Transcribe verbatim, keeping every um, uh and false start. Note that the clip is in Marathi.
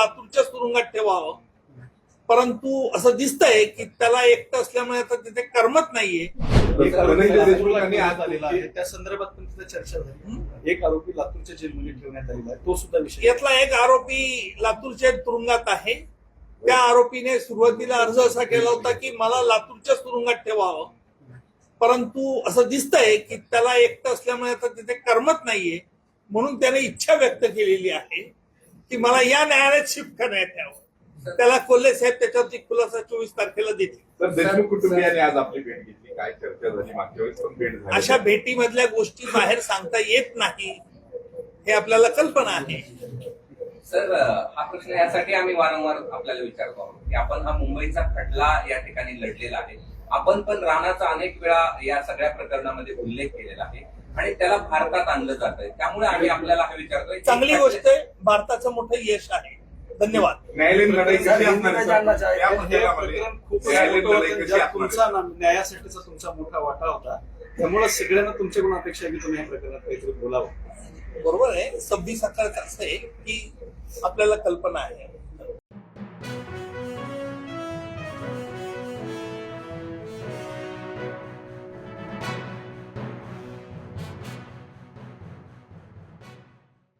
लातूरच्या तुरुंगात ठेवावं, परंतु असं दिसतंय की त्याला एकटं असल्यामुळे आता तिथे करमत नाहीये. एक आरोपी लातूरला आज आलेला आहे, त्या संदर्भात पण तिथे चर्चा झाली. एक आरोपी लातूरच्या जेलमध्ये ठेवण्यात आलेला आहे, तो सुद्धा विषय. यातला एक आरोपी लातूरच्या तुरुंगात आहे. त्या आरोपीने सुरुवातीला अर्ज असा केला होता की मला लातूरच्या तुरुंगात ठेवावं, परंतु असं दिसतंय की त्याला एकटं असल्यामुळे आता तिथे करमत नाहीये, म्हणून त्याने इच्छा व्यक्त केलेली आहे की मला या न्यायालयात शिफ्ट करण्यात यावं. त्याला कोल्हे साहेब त्याच्यावरती खुलासा चोवीस तारखेला देतील. तर देशमुख कुटुंबियांनी आज आपली भेट घेतली, काय चर्चा झाली? मागच्या वेळेस पण भेट झाली. अशा भेटीमधल्या गोष्टी बाहेर सांगता येत नाही हे आपल्याला कल्पना आहे. सर, हा प्रश्न यासाठी आम्ही वारंवार आपल्याला विचारतो आहोत की आपण हा मुंबईचा खटला या ठिकाणी लढलेला आहे. आपण पण राणाचा अनेक वेळा या सगळ्या प्रकरणामध्ये उल्लेख केलेला आहे आणि त्याला भारतात आणलं जात आहे. त्यामुळे आम्ही आपल्याला हे विचारतोय. चांगली गोष्ट आहे, भारताचं मोठं यश आहे. धन्यवाद. न्यायालयीन लढाई कशी असणार? तुमचा न्यायासाठीचा तुमचा मोठा वाटा होता, त्यामुळे सगळ्यांना तुमच्याकडून अपेक्षा आहे की तुम्ही या प्रकरणात काहीतरी बोलावं. बरोबर आहे. सव्वीस सकाळचं असं आहे की आपल्याला कल्पना आहे